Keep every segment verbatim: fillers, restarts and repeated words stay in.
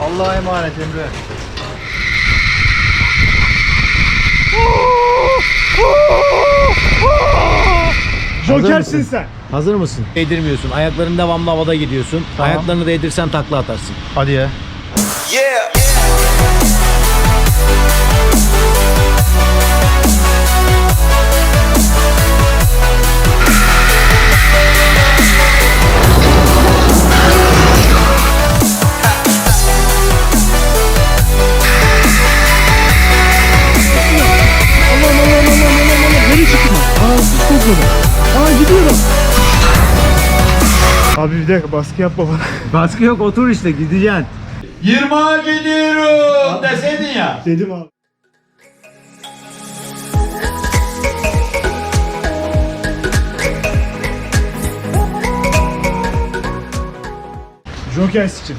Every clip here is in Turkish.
Allah'a emanet Emre. Jokersin sen. Hazır mısın? Değdirmiyorsun. Ayakların devamlı havada gidiyorsun. Tamam. Ayaklarını değdirsen takla atarsın. Hadi ya. Yeah. Nereye çıktın? Aa sus kokmadı. Aa gidiyorum. Abi bir dakika baskı yapma bana. Baskı yok, otur işte, gideceksin. yirmiye gidiyorum deseydin ya. Dedim abi. Joker için.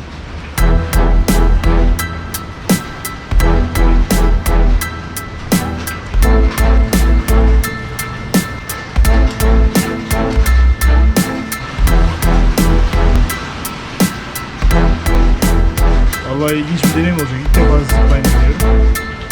Vallahi ilginç bir deneyim olacak. İlk defa zipline yapıyorum.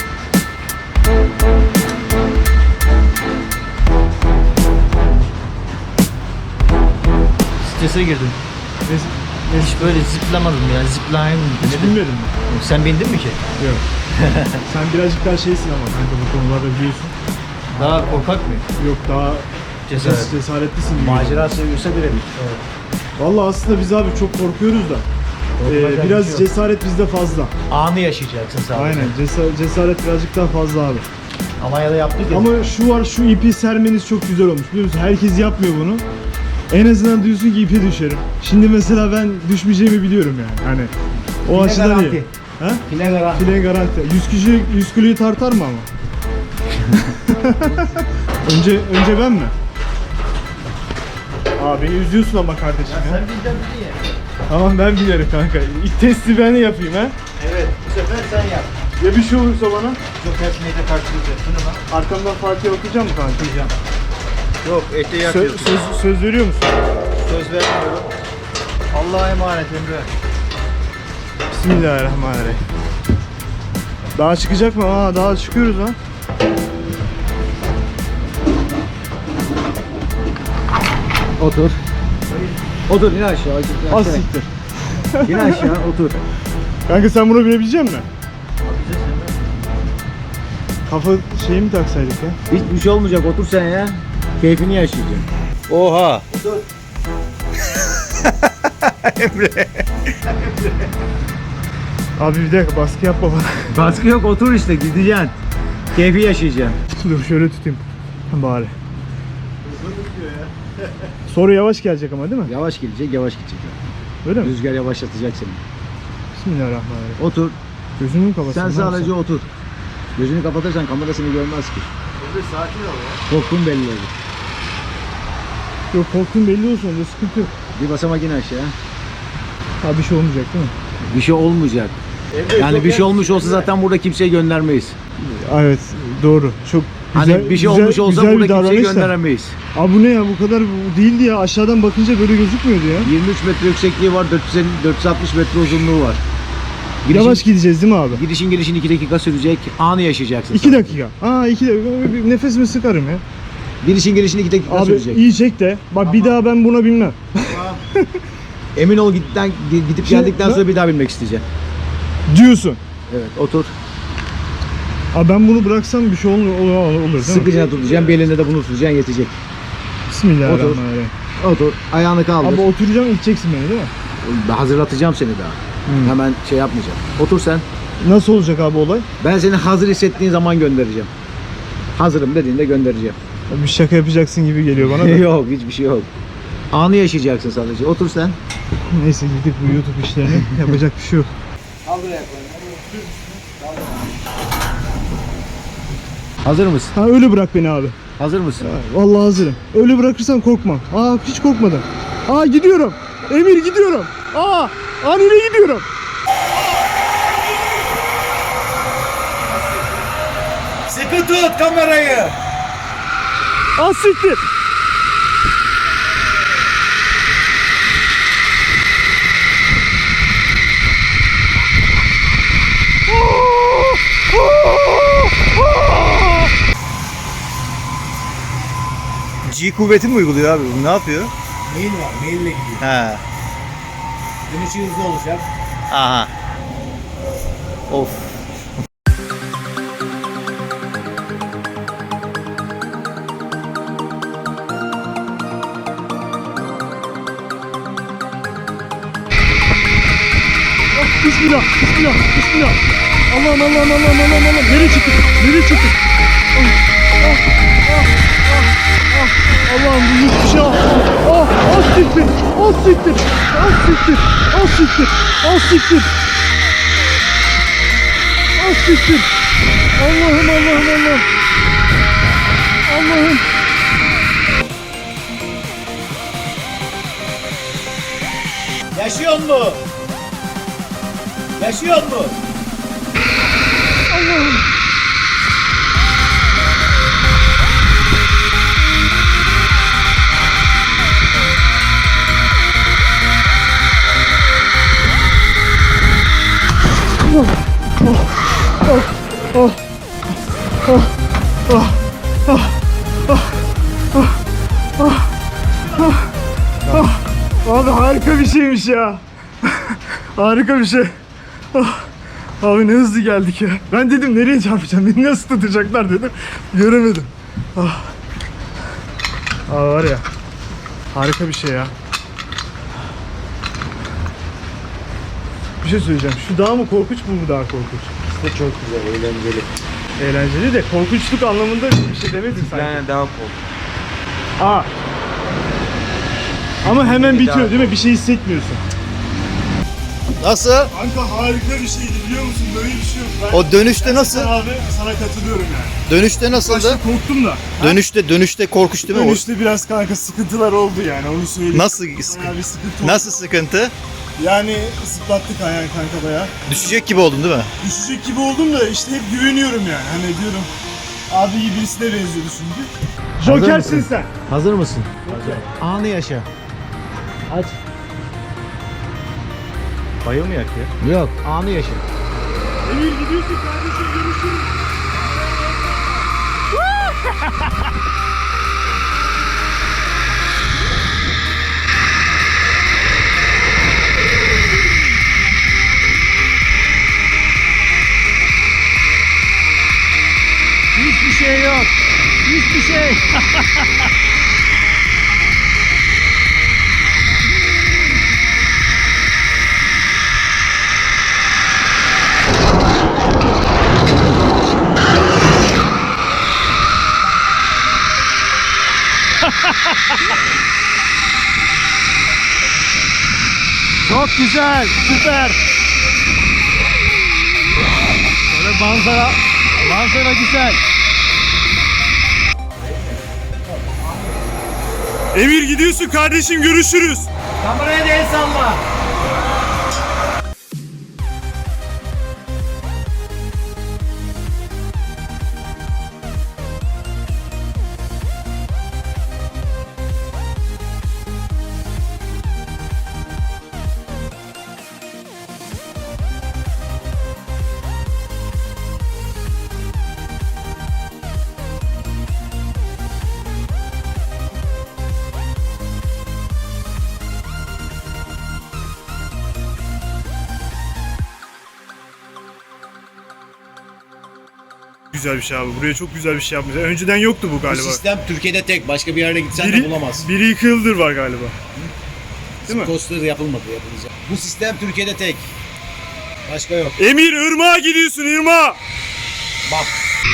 Strese girdim. Ne, ne, Hiç böyle ziplamadım ya, zipline. hiç bilmiyordum ben. Sen bindin mi ki? Yok. Sen birazcık daha şeysin ama kanka bu konularda biliyorsun. Daha korkak mıyım? Yok daha Cesaret. ces- cesaretlisin. gibi. Macera seviyorsa birebir. Evet. Vallahi aslında biz abi çok korkuyoruz da. Korkulacak Ee, biraz bir şey yok. cesaret bizde fazla. Anı yaşayacaksın sadece. Aynen cesaret, cesaret birazcık daha fazla abi. Almanya'da yaptık ya. Ama şu var, şu ipi sermeniz çok güzel olmuş biliyor musun? Herkes yapmıyor bunu. En azından diyorsun ki ipe düşerim. Şimdi mesela ben düşmeyeceğimi biliyorum yani. Hani o File açıdan garanti. iyi. Ha? File garanti. File garanti. yüz kişi yüz kiloyu tartar mı ama? önce önce ben mi? Abi beni üzüyorsun ama kardeşim ya. Sen bizden biri ya. Tamam ben bilirim kanka. İlk testi ben yapayım ha. Evet, bu sefer sen yap. Ya bir şey olursa bana Joker neyle karşılayacaksın ama? arkamdan Fatih okuyacağım mı kanka? Okuyacağım. Yok, ete Sö- yakıyorsun. söz, söz veriyor musun? Söz vermiyorum. Allah'a emanet Emre. Bismillahirrahmanirrahim. Daha çıkacak mı? Aa daha çıkıyoruz ha. Otur. Otur, in aşağı. in Az aşağı. siktir. İn aşağı, otur. Kanka sen bunu bilebilecek misin? Kafa şeyi mi taksaydık ya? Hiçbir şey olmayacak, otur sen ya. Keyfini yaşayacaksın. Oha. Otur. Abi bir dakika baskı yapma bana. Baskı yok, otur işte, gideceksin. Keyfi yaşayacaksın. Dur şöyle tutayım. Bari. Soru yavaş gelecek ama değil mi? Yavaş gelecek, yavaş gidecek. Öyle mi? Rüzgar yavaşlatacak seni. Bismillahirrahmanirrahim. Otur. Gözümü mü kapatsam? Sen sadece otur. Gözünü kapatırsan kamera seni görmez ki. Sakin ol ya. Korkun belli olur. Yok korktuğum belli olsun onda sıkıntı yok. Bir basamak in aşağı. Ha bir şey olmayacak değil mi? Bir şey olmayacak. Yani bir şey olmuş olsa zaten burada kimseye göndermeyiz. Evet doğru. Çok güzel. Hani bir şey güzel- olmuş olsa güzel bir burada kimseye davranış da. gönderemeyiz. Abi bu ne ya bu kadar bu değildi ya aşağıdan bakınca böyle gözükmüyordu ya. yirmi üç metre yüksekliği var, dört yüz elli dört yüz altmış metre uzunluğu var. Girişin, Yavaş gideceğiz değil mi abi? Gidişin gelişin iki dakika sürecek, anı yaşayacaksın. iki sen. dakika. Aa iki dakika. Bir nefesimi sıkarım ya. Girişin gelişin iki dakika Abi sürecek. iyi çek de. Bak bir daha ben buna binmem. Emin ol gitten, gidip Şimdi geldikten ben- sonra bir daha binmek isteyeceksin. Diyorsun. Evet, otur. Abi ben bunu bıraksam bir şey olur, olur, olur değil mi? Sıkıca tutacaksın, bir elinde de bunu tutacaksın, yetecek. Bismillahirrahmanirrahim. Otur, ayağını kaldır. Abi oturacağım iteceksin beni değil mi? Hazırlatacağım seni daha. Hmm. Hemen şey yapmayacağım. Otur sen. Nasıl olacak abi olay? Ben seni hazır hissettiğin zaman göndereceğim. Hazırım dediğinde göndereceğim. Bir şaka yapacaksın gibi geliyor bana da. Yok, hiçbir şey yok. Anı yaşayacaksın sadece. Otur sen. Neyse gidip bu YouTube işlerini yapacak bir şey yok. Hazır mısın? Ha öyle bırak beni abi. Hazır mısın? Vallahi hazırım. Öyle bırakırsan korkmam. Aa hiç korkmadım. Aa gidiyorum. Emir gidiyorum. Aa, aa nereye gidiyorum? Sıkı tut kamerayı. Aa siktir. G kuvveti mi uyguluyor abi? Bu ne yapıyor? Mail var. Maille gidiyor. He. Dönüşü hızlı olacak. Aha. Of. Bismillah, bismillah, bismillah. Allah'ım, Allah'ım, Allah'ım, Allah'ım, Allah'ım. Nereye çıktık? Nereye çıktık? Ah, ah, ah, ah, ah. Allah'ım bu hiçbir şey. Ah, ah, ah, siktir, ah, siktir, ah, siktir, ah, siktir, ah, siktir. Ah, siktir. Allah'ım, Allah'ım, Allah'ım. Allah'ım. Yaşıyor mu? Yaşıyor mu? Allah'ım. Abi harika bir şeymiş ya. Harika bir şey. Ah, abi ne hızlı geldik ya. Ben dedim nereye çarpacağım, beni nasıl tutacaklar dedim. Göremedim. Ah. Abi var ya. Harika bir şey ya. Bir şey söyleyeceğim. Şu dağ mı korkunç, bu mu daha korkunç? İşte çok güzel, eğlenceli. Eğlenceli de korkunçluk anlamında bir şey demedin sanki. Yani daha korkunç. Aa. Ama hemen bitiyor değil mi? Bir şey hissetmiyorsun. Nasıl? Kanka harika bir şeydi, biliyor musun? Böyle bir şey yok. Ben O dönüşte nasıl? abi sana katılıyorum yani. Dönüşte nasıldı? Başta korktum da. Dönüşte dönüşte korkunç değil mi? Dönüşte biraz kanka sıkıntılar oldu yani, onu söyleyeyim. Nasıl Bayağı sıkıntı? bir sıkıntı oldu. Nasıl sıkıntı? Yani zıplattık ayağını kanka bayağı. Düşecek gibi oldun değil mi? Düşecek gibi oldum da işte hep güveniyorum yani. Hani diyorum abi iyi birisine benziyordu çünkü. Jokersin mısın? sen. Hazır mısın? Anı yaşa. Aç. Bayılmayak ya. Yok, anı yaşa. Emir gidiyorsun kardeşim, görüşürüz. Hiçbir şey yok. Hiçbir şey. Çok güzel, süper. Böyle manzara, manzara güzel. Emir gidiyorsun kardeşim, görüşürüz. Kameraya da el salla. Güzel bir şey abi. Buraya çok güzel bir şey yapmışlar. Önceden yoktu bu Bu galiba. sistem Türkiye'de tek. Başka bir yerde gitsen de bulamazsın. biri iki yıldır var galiba. Değil mi? Coaster yapılmadı, yapılacak. Bu sistem Türkiye'de tek. Başka yok. Emir ırmağa gidiyorsun, ırmağa. Bak.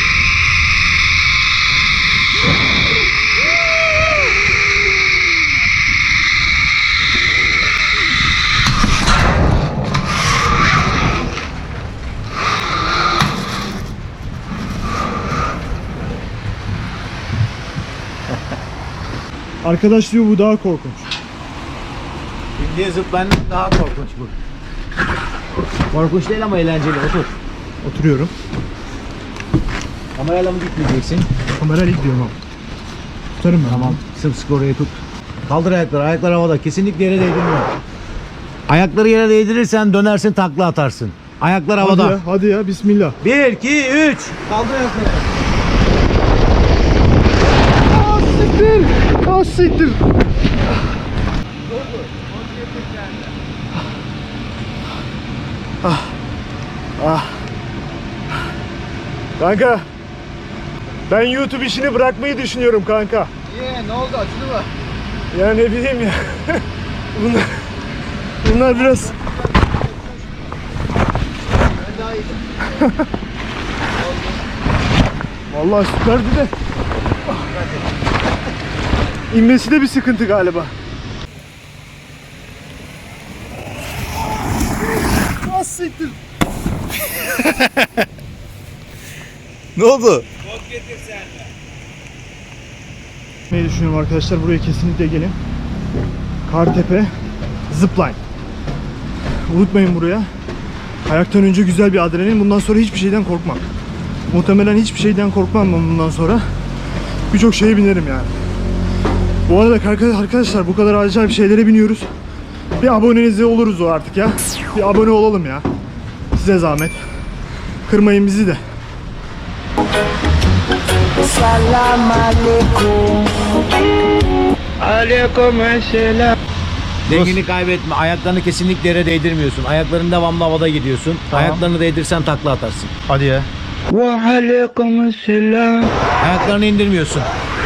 Arkadaş diyor bu daha korkunç. Şimdi zıplayanın daha korkunç bu. Korkunç değil ama eğlenceli. Otur. Oturuyorum. Kamerayla mı gitmeyeceksin? Kamerayla gidiyorum abi. Tutarım ben. Tamam. Sımsıkı oraya tut. Kaldır ayakları. Ayaklar havada. Kesinlikle yere değdirme. Ayakları yere değdirirsen dönersin, takla atarsın. Ayaklar Hadi havada. ya, hadi ya, bismillah. Bir, iki, üç. Kaldır ayakları. siktir. Ah siktir. Ah. Ah. Kanka. Ben YouTube işini bırakmayı düşünüyorum kanka. Niye? Ne oldu? Acıdı mı? Ya ne bileyim ya. Bunlar, bunlar biraz... Vallahi süperdi de. İnmesi de bir sıkıntı galiba. Ah siktir. Ne oldu? Ne düşünüyorum arkadaşlar, buraya kesinlikle gelin. Kartepe Zipline. Unutmayın buraya. Kayaktan önce güzel bir adrenalin. Bundan sonra hiçbir şeyden korkmam. Muhtemelen hiçbir şeyden korkmam ben bundan sonra. Birçok şeye binerim yani. Bu arada arkadaşlar bu kadar acayip şeylere biniyoruz. Bir abonenize oluruz o artık ya. Bir abone olalım ya. Size zahmet. Kırmayın bizi de. Salam alaikum. Alaikum selam. Dengeni kaybetme. Ayaklarını kesinlikle yere değdirmiyorsun. Ayakların devamlı havada gidiyorsun. Ayaklarını değdirsen takla atarsın. Hadi ya. Ve alaikum selam. Ayaklarını indirmiyorsun.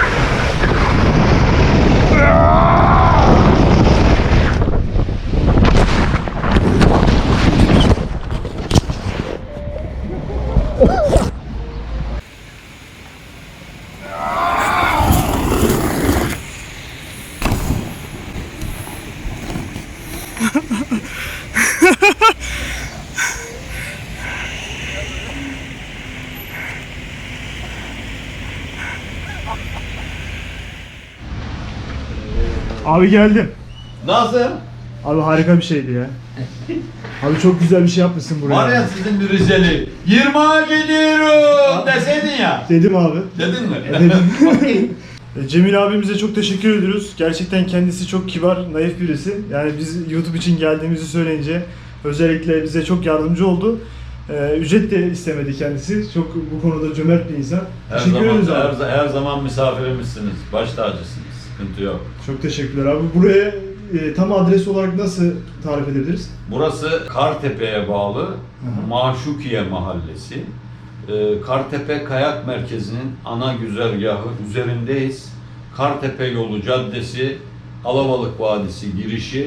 Abi geldim. Nasıl? Abi harika bir şeydi ya. Abi çok güzel bir şey yapmışsın buraya. Var ya sizin bir Rizeli. yirmiye gidiyorum deseydin ya. Dedim abi. Dedin mi? Dedim. E, Cemil abimize çok teşekkür ediyoruz. Gerçekten kendisi çok kibar, naif birisi. Yani biz YouTube için geldiğimizi söyleyince özellikle bize çok yardımcı oldu. Ee, ücret de istemedi kendisi. Çok bu konuda cömert bir insan. Her teşekkür zaman, ederiz abi. her, her zaman misafirimizsiniz. Baş tacısınız. Sıkıntı yok. Çok teşekkürler abi. Buraya e, tam adres olarak nasıl tarif edebiliriz? Burası Kartepe'ye bağlı Maşukiye Mahallesi. Ee, Kartepe Kayak Merkezi'nin ana güzergahı üzerindeyiz. Kartepe Yolu Caddesi, Alabalık Vadisi girişi,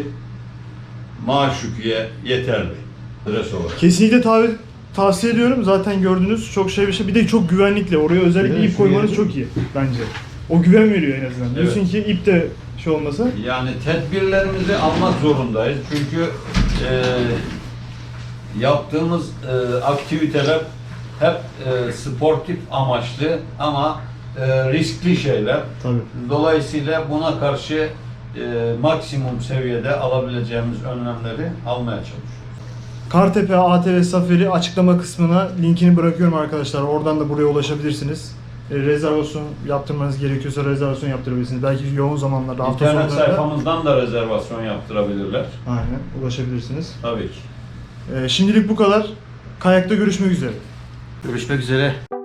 Maşukiye yeterli. Adres olarak. Kesinlikle tav- tavsiye ediyorum. Zaten gördünüz çok şey bir şey. Bir de çok güvenlikli. Oraya özellikle Evet, ip koymanız şuraya- çok iyi bence. O güven veriyor en azından. Evet. Diyorsun ki ip de şey olmasa. Yani tedbirlerimizi almak zorundayız. Çünkü e, yaptığımız e, aktiviteler hep e, sportif amaçlı ama e, riskli şeyler. Tabii. Dolayısıyla buna karşı e, maksimum seviyede alabileceğimiz önlemleri almaya çalışıyoruz. Kartepe A T V Safari açıklama kısmına linkini bırakıyorum arkadaşlar. Oradan da buraya ulaşabilirsiniz. E, rezervasyon yaptırmanız gerekiyorsa rezervasyon yaptırabilirsiniz. Belki yoğun zamanlarda, hafta İnternet sonlarında. sayfamızdan da rezervasyon yaptırabilirler. Aynen, ulaşabilirsiniz. Tabii ki. E, şimdilik bu kadar. Kayakta görüşmek üzere. Görüşmek üzere.